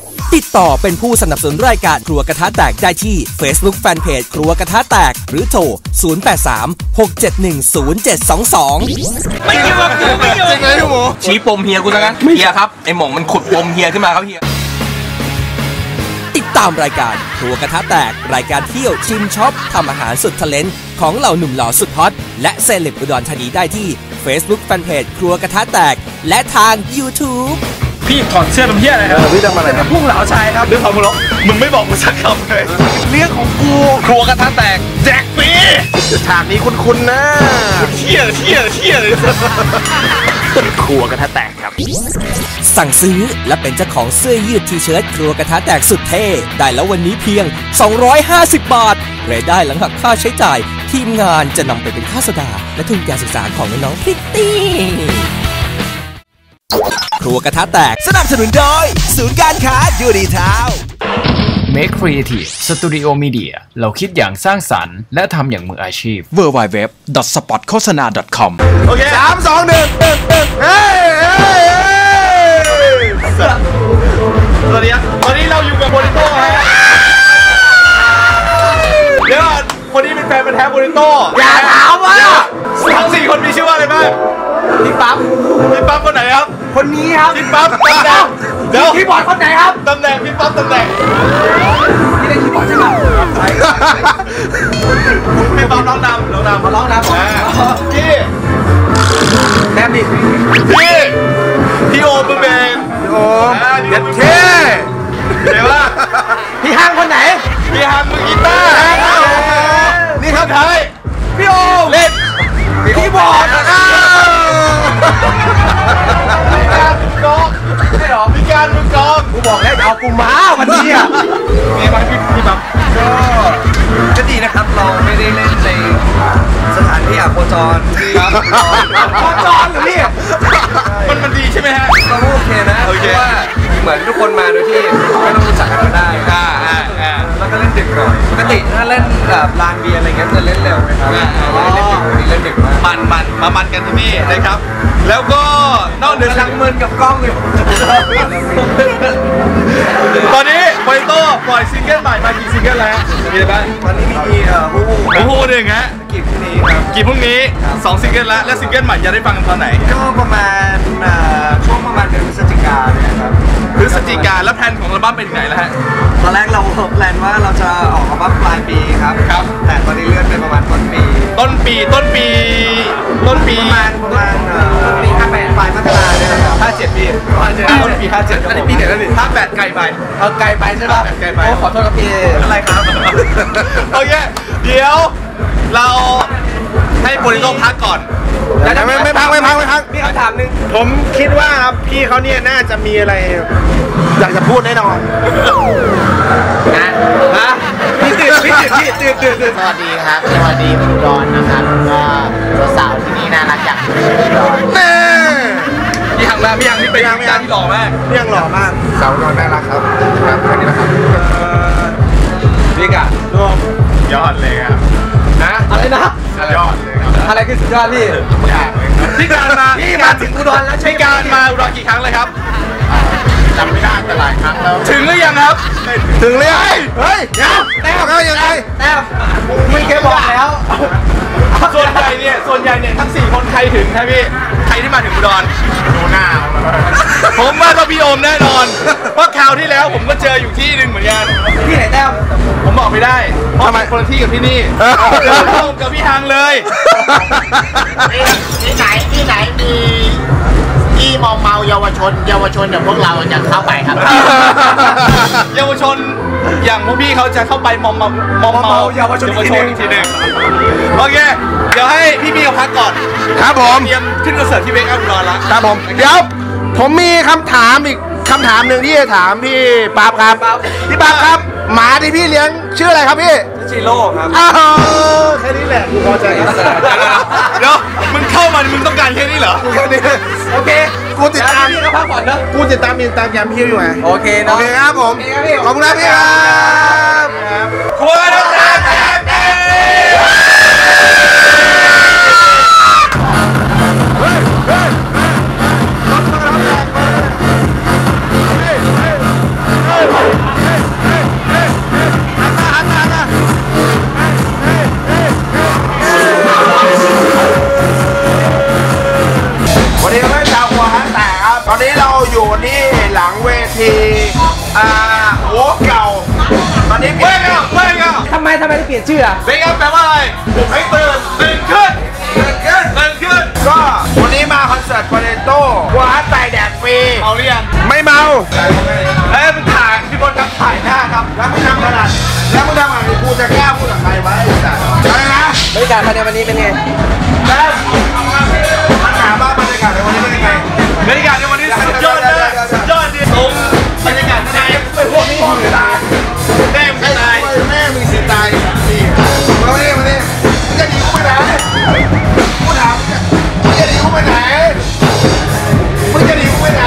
ติดต่อเป็นผู้สนับสนุนรายการครัวกระทะแตกได้ที่ Facebook Fanpage ครัวกระทะแตกหรือโทร 0836710722 ไม่คิดว่ากูไม่ยอมจริงเลยพี่หมูชี้ปมเฮียกูซะงั้นเฮียครับไอหม่องมันขุดปมเฮียขึ้นมาครับเฮียติดตามรายการครัวกระทะแตกรายการเที่ยวชิมช็อปทำอาหารสุดทะเลนของเหล่าหนุ่มหล่อสุดฮอตและเซเลบอุดรธานีได้ที่ Facebook Fanpage ครัวกระทะแตกและทาง YouTube พี่ถอดเสื้อทำเหี้ยอะไรครับพี่ทำอะไรครับพุ่งเหลาชายครับเรื่องของมึงหรอมึงไม่บอกกูสักคำเลยเรื่องของกูครัวกระทะแตกแจกฟรีฉากนี้คุ้นๆนะเที่ยเลยครัวกระทะแตกครับสั่งซื้อและเป็นเจ้าของเสื้อยืดทีเชิ้ตครัวกระทะแตกสุดเท่ได้แล้ววันนี้เพียง250 บาทรายได้หลังหักค่าใช้จ่ายทีมงานจะนำไปเป็นค่าสดาและทุนการศึกษาของน้องๆพริตตี้ครัวกระทะแตกสนับสนุนโดยศูนย์การค้ายูดีทาวน์ Make Creative Studio Media เราคิดอย่างสร้างสรรค์และทำอย่างมืออาชีพ www.spotkhosana.com โอเค 3 2 1เฮ้ยสวัสดีครับตอนนี้เราอยู่กับโบริโต้ฮะเดี๋ยวคนนี้เป็นแฟนพันธุ์แท้โบริโต้อย่าถามว่าทั้ง4คนมีชื่อว่าอะไรบ้างพี่ปั๊บคนไหนครับคนนี้ครับพี่ปั๊บตำแหน่งเดี๋ยวคีย์บอร์ดคนไหนครับตำแหน่งพี่ปั๊บตำแหน่งพี่เล่นคีย์บอร์ดใช่ไหมใช่พี่ปั๊บร้องนำมาร้องนำพี่แนมดิพี่โอมือเบนโอ้เด็ดเท่เดี๋ยวว่าพี่ฮังคนไหนพี่ฮังมือกีตาร์นี่ครับไทยพี่โอเล่นคีย์บอร์ดมีการมือกองกูบอกแล้วเอากูมาวันนี้อ่ะมีบ้างพี่ปั๊บก็ดีนะครับเราไม่ได้เล่นในสถานที่โคจรโคจรหรือพี่มันดีใช่ไหมฮะเราโอเคนะเพราะว่าเหมือนทุกคนมาโดยที่ไม่ต้องรู้จักกันก็ได้แล้วก็เล่นดึกหน่อยปกติถ้าเล่นแบบลานเบียร์อะไรเงี้ยจะเล่นเร็วไหมครับเล่นดึกวันนี้เล่นดึกมากมันกันที่นี่นะครับแล้วก็นอกเหนือจากมือกับกล้องอยู่ตอนนี้โบริโต้ปล่อยซิงเกิลใหม่มากี่ซิงเกิลแล้วมีอะไรบ้างตอนนี้มีฮู้หนึ่งฮะกี่พรุ่งนี้ครับกี่พรุ่งนี้2ซิงเกิลแล้วและซิงเกิลใหม่จะได้ฟังตอนไหนก็ประมาณช่วงประมาณเดือนพฤศจิกายนเนี่ยครับพฤศจิกายนแล้วแผนของอัลบั้มเป็นไหนแล้วฮะตอนแรกเราแพลนว่าเราจะออกอัลบั้มปลายปีครับแต่ตอนนี้เลื่อนไปประมาณต้นปีประมาณต้นปี 58ปลายมกราเนี่ยครับ 57ปีต้นปี57ครับผมปีไหนแล้วนี่ 58ไกลไปไกลไปใช่ป่ะไกลไปขอโทษครับพี่อะไรครับโอเคเดี๋ยวเราให้โบริโต้พักก่อนไม่พักพี่คำถามนึงผมคิดว่าครับพี่เขาเนี่ยน่าจะมีอะไรอยากจะพูดแน่นอนนะพี่ตื่นสวัสดีครับสวัสดีอุดรนะครับก็สาวที่นี่น่ารักอย่างอุดรพี่ยังนี่เป็นการที่หล่อมากพี่ยังหล่อมากสาวอุดรน่ารักครับแค่นี้นะครับพี่กะยอดเลยครับอะไรนะยอดเลยครับอะไรคือสุดยอดพี่การมาถึงอุดรแล้วใช่การมาอุดรกี่ครั้งเลยครับจำไม่ได้แต่หลายครั้งแล้วถึงหรือยังครับถึงเลยเฮ้ยแต้วยังไงแต้วไม่เคยบอกแล้วส่วนใหญ่เนี่ยทั้ง4คนใครถึงครับพี่ใครที่มาถึงอุดรดูหน้าผมว่าต้องพี่โอมแน่นอนเพราะคราวที่แล้วผมก็เจออยู่ที่หนึ่งเหมือนกันที่ไหนแต้วผมบอกไม่ได้เพราะคนละที่กับที่นี่เจอพี่โอมกับพี่ฮังเลยที่ไหนมีที่มอมเมาเยาวชนเดี๋ยวพวกเราจะเข้าไปครับเยาวชนอย่างพวกพี่เขาจะเข้าไปมอมเมาเยาวชนอีกทีนึงโอเคเดี๋ยวให้พี่เขาพักก่อนครับผมเตรียมขึ้นคอนเสิร์ตที่เวกอัพอุดรแล้วครับผมเดี๋ยวผมมีคำถามอีกคำถามหนึ่งที่จะถามพี่ปั๊บครับพี่ปั๊บครับหมาที่พี่เลี้ยงชื่ออะไรครับพี่ชิโร่ครับแค่นี้แหละกูพอใจแล้วเดี๋ยวมึงเข้ามามึงต้องการแค่นี้เหรอแค่นี้โอเคกูติดตามพี่ก็พักก่อนนะกูติดตามแกมพี่อยู่ไงโอเคเนาะโอเคครับผมขอบคุณครับพี่ครับครัวน้ำตาแตกทีโอ้เก่าตอนนี้เปลี่ยนไม่เอาทำไมถึงเปลี่ยนชื่ออ่ะเบงแปลว่าอะไรผมให้ตื่นขึ้นก็วันนี้มาคอนเสิร์ตโปเตโต้หัวใส่แดดฟรีเมาหรือยังไม่เมามึงถ่ายพี่บอลครับถ่ายหน้าครับแล้วมึงทำขนาดกูจะกล้าพูดกับใครไว้อะไรนะบรรยากาศภายในวันนี้เป็นไงแล้วมันถามว่าบรรยากาศในวันนี้เป็นยังไงบรรยากาศในวันนี้สุดยอดเลยสุดยอดดิผมบรรยากาศในไอ้พวกนี้มึงตายแม่มึงตายแม่มึงสิตายนี่มาเนี่ยมึงจะหนีกูไปไหนกูถามมึงจะหนีกูไปไหนมึงจะหนีกูไปไหน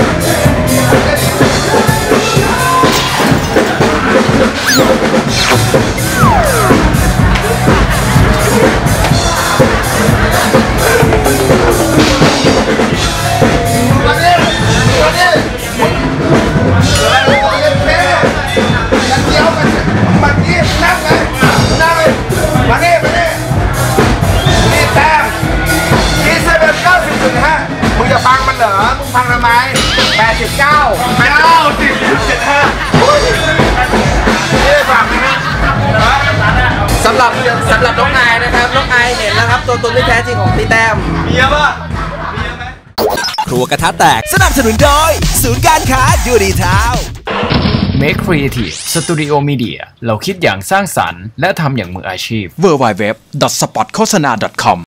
มึงจะฟังมันเหรอ มึงฟังทำไม89 นี่ฟังไหมฮะสำหรับน้องอายนะครับน้องอายเห็นแล้วครับตัวตนที่แท้จริงของพี่แต้มมีเยอะป่ะมีเยอะไหมครัวกระทะแตกสนับสนุนโดยศูนย์การค้ายูดีทาว Make Creative Studio Media เราคิดอย่างสร้างสรรค์และทำอย่างมืออาชีพ www.spotkhosana.com